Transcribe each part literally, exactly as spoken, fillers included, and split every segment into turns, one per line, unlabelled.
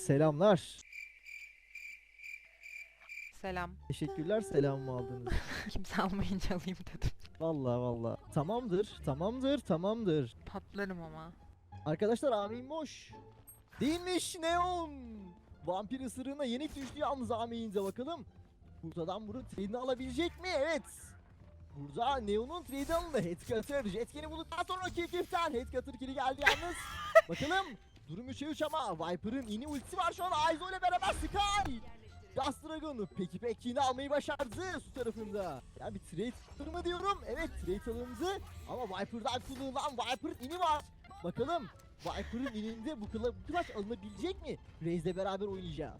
Selamlar.
Selam.
Teşekkürler selamımı aldınız.
Kimse almayınca alayım dedim.
Vallahi vallahi. Tamamdır, tamamdır, tamamdır.
Patlarım ama.
Arkadaşlar Amin boş. Değilmiş Neon. Vampir ısırığına yenik düştü yalnız Amin'de bakalım. Buradan bunun trade'ini alabilecek mi? Evet. Burada Neon'un trade'i alındı. Headcutter. Jetkin'i bulduktan sonra kill kiften. Headcutter kill'i geldi yalnız. Bakalım. Durum üçe üç ama Viper'ın ini ultisi var şu an. Aizo ile beraber Sky. Ghost Dragon peki peki yine almayı başardı su tarafında. Ya bir trade mı diyorum? Evet trade alındı ama Viper'dan kullanılan Viper'ın ini var. Bakalım Viper'ın ininde bu, kla bu clutch alınabilecek mi? Raze'le beraber oynayacağız.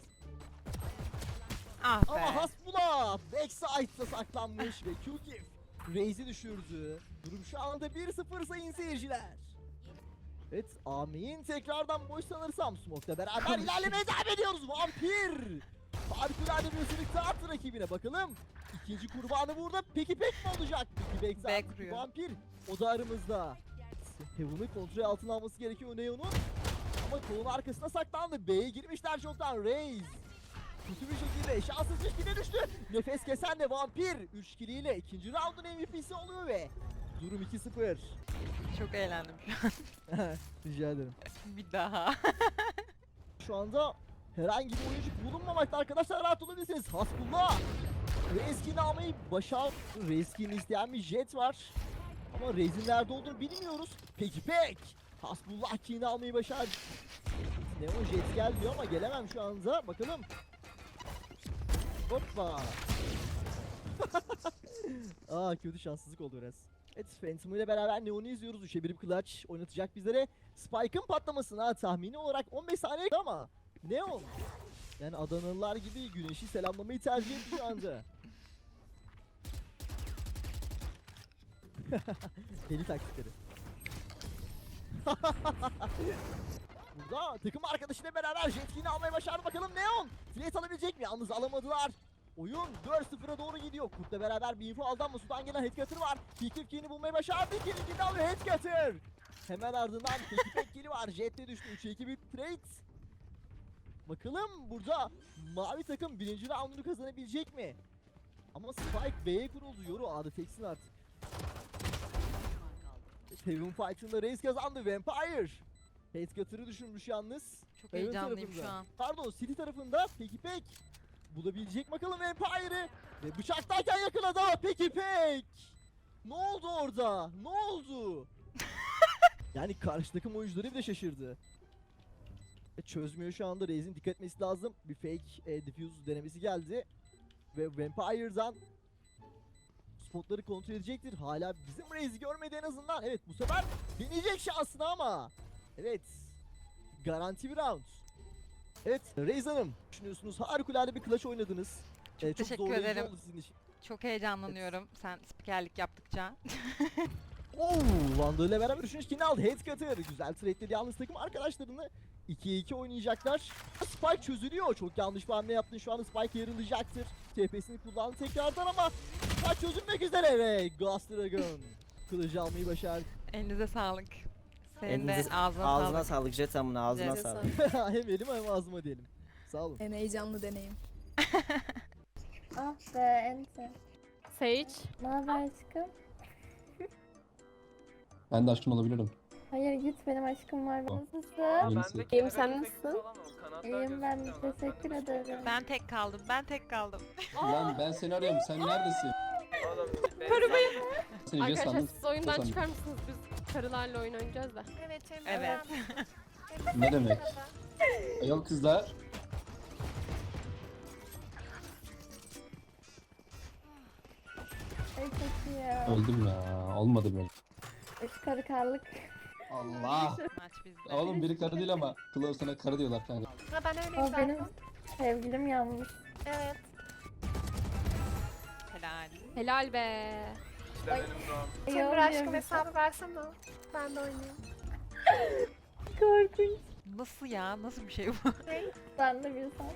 Ah be.
Ama Hasbula backside'da saklanmış ve Q-Kif Raze'i düşürdü. Durum şu anda bir sıfır sayın seyirciler. Evet Amin tekrardan boş sanırsam Smoke'la beraber ilerlemeye devam ediyoruz. Vampir! Harikulade bir ısırık daha attı rakibine bakalım. İkinci kurbanı burada peki pek mi olacak? Peki
Bek
pek
vuruyor.
Vampir o da aramızda. Heaven'ı kontrol altına alması gerekiyor Neon'un. Ama kolun arkasına saklandı. B'ye girmişler çoktan. Raze kötü bir şekilde şanssız ilişkine düştü. Nefes kesen de Vampir üç kiliyle ikinci round'un M V P'si oluyor ve durum iki sıfır.
Çok eğlendim şu an.
Rica ederim.
Bir daha.
Şu anda herhangi bir oyuncu bulunmamakta arkadaşlar, rahat olabilirsiniz. Hasbullah Rezkin'i almayı başar. Rezkin'i isteyen bir Jet var. Ama Rez'in nerede olduğunu bilmiyoruz. Peki pek. Hasbullah King'i almayı başar. Neon Jet gel diyor ama gelemem şu anda. Bakalım. Hoppa. Aa kötü şanssızlık oldu biraz. Evet Phantom ile beraber Neon'u izliyoruz. üçe bir clutch oynatacak bizlere. Spike'ın patlamasına tahmini olarak on beş saniye ama Neon yani Adanalılar gibi güneşi selamlamayı tercih etti şu anda. Deli taktikleri. Burada takım arkadaşıyla beraber Jetkin'i almaya başardı bakalım Neon. Flat alabilecek mi? Yalnız alamadılar. Oyun dört sıfıra doğru gidiyor. Kurt'la beraber bir info aldı ama sudan gelen Headcutter var. Pikifkin'i bulmayı başardı. İkinci alıyor Headcutter. Hemen ardından Pekipek kili var. Jet'te düştü. üçe iki bir trade. Bakalım burada mavi takım birinci roundunu kazanabilecek mi? Ama Spike B'ye kuruldu. Yoru A'da teksin artık. Heaven Fight'ında Raze kazandı. Vampire. Headcutter'ı düşürmüş yalnız.
Çok
Heaven
heyecanlıyım
tarafında.
şu an.
Pardon City tarafında Pekipek. Bulabilecek bakalım Vampire'ı. Ve bıçaktayken yakaladı ama Pekipek. Ne oldu orada? Ne oldu? Yani karşı takım oyuncuları bile şaşırdı. E, çözmüyor şu anda. Raze'in dikkat etmesi lazım. Bir fake e, diffuse denemesi geldi. Ve Vampire'dan spotları kontrol edecektir. Hala bizim Raze'i görmedi en azından. Evet bu sefer deneyecek şansını ama. Evet. Garanti bir round. Evet Raze Hanım, düşünüyorsunuz harikulade bir clutch oynadınız. Ee, çok
teşekkür
zorlayıcı
ederim.
oldu sizin için.
Çok heyecanlanıyorum sen spikerlik yaptıkça.
Oo, Vandal ile beraber üçüncü killini aldı. Headcutter güzel trade'ledi yalnız takım arkadaşlarını. ikiye iki oynayacaklar. Spike çözülüyor. Çok yanlış bir hamle yaptın. Şu anda Spike yarılayacaktır. T P'sini kullandı tekrardan ama Spike çözülmek üzere ve Ghost Dragon kılıcı almayı başardı.
Elinize sağlık. Senin de
Elinize-
ağzına,
Ağzına
sağlık.
sağlık Jet amına ağzına
Jet
sağlık.
Hem elim hem ağzıma diyelim. Sağ olun.
En heyecanlı deneyim.
Ah be ente.
Sage.
Ne haber aşkım?
Ben de aşkım olabilirim.
Hayır git benim aşkım var. Nasılsın?
Yenisi.
İyiyim, sen nasılsın?
İyiyim ben de teşekkür ederim.
Ben tek kaldım. Ben tek kaldım.
Lan ben seni arıyorum. Sen neredesin?
Karıbayım.
Seni Jet
Arkadaşlar
sandım.
siz oyundan
sandım.
çıkar mısınız? Biz karılarla oyun oynayacağız da.
Evet
Evet.
Ne demek? Ayol kızlar.
Ay çok iyi ya.
Öldüm ya. Olmadı böyle.
Üç karı karlık.
Allah.
Maç bizde.
Oğlum biri karı değil ama Claw sana karı diyorlar kanka.
Ha ben öyleyim
O benim sevgilim yanmış.
Evet.
Helal.
Helal be.
Timur
aşkım hesabı versene. Ben de oynayayım.
Korkunç.
Nasıl ya? Nasıl bir şey bu?
Ben de bir sen.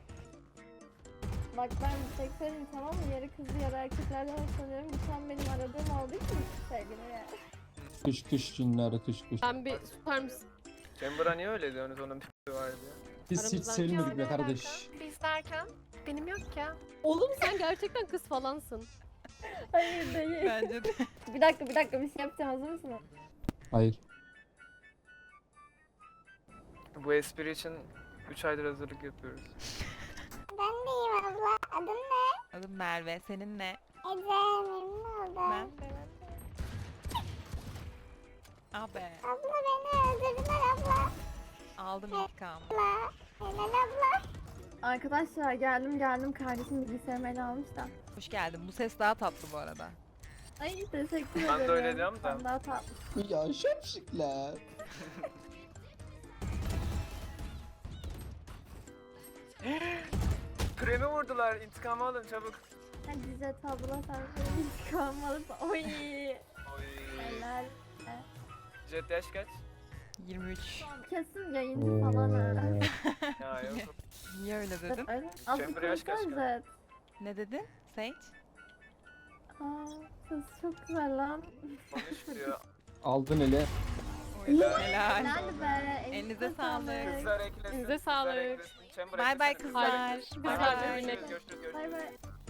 Bak ben bir tek söyleyeyim tamam mı? Yarı kızı yarı erkeklerden hoşlanıyorum. Bu tam benim aradığım olduğu için sevgilim yani.
Kış kış cinler kış kış.
Ben bir tutar mısın?
Chamber'a niye öyle diyorsunuz, onun bir var diye.
Biz hiç
Aramızdan
sevilmedik be
kimse
kardeş.
derken, Biz derken benim yok ya.
Oğlum
Sen gerçekten kız falansın.
hayır değil.
Bence de.
Bir dakika bir dakika bir şey yapacağım, hazır mısın?
Hayır.
Bu espri için üç aydır hazırlık yapıyoruz.
Ben deyim abla. Adın ne?
Adım Merve. Senin ne?
Ece. Memnun oldum.
Ben de. Ben de. Abi.
Abla beni öldürdüler abla.
Aldım intikamı.
Abla. Helal abla.
Arkadaşlar geldim geldim, kardeşim bilgisayarımı ele almış da.
Hoş geldin. Bu ses daha tatlı bu arada.
Ay teşekkür ederim.
Ben de öyle diyorum da.
Sen daha tatlı.
Ya şapşikler.
Premi vurdular. İntikamı alın çabuk.
Hadi Jet abla sen benim intikamımı alıp. Oy.
Oy.
Helal.
Jet yaş kaç?
yirmi üç.
Kesin yayıncı falan ha.
Ya yok.
Niye öyle dedin?
Öyle. Az bir
Chamber yaş kaç
konuşsana
kaç?
Jet.
Ne dedin? Sage?
Aa, ses çok güzel lan.
Konuş diyor.
Aldın ele.
Helal.
Helal be.
Elinize sağlık.
Kızlar eklesin.
Elinize
kızlar
sağlık.
eklesin. Chamber
Bay bay
eklesene,
kızlar.
eklesin.
Bay
Hadi
bay.
görüşürüz, görüşürüz, görüşürüz.
Bay bay.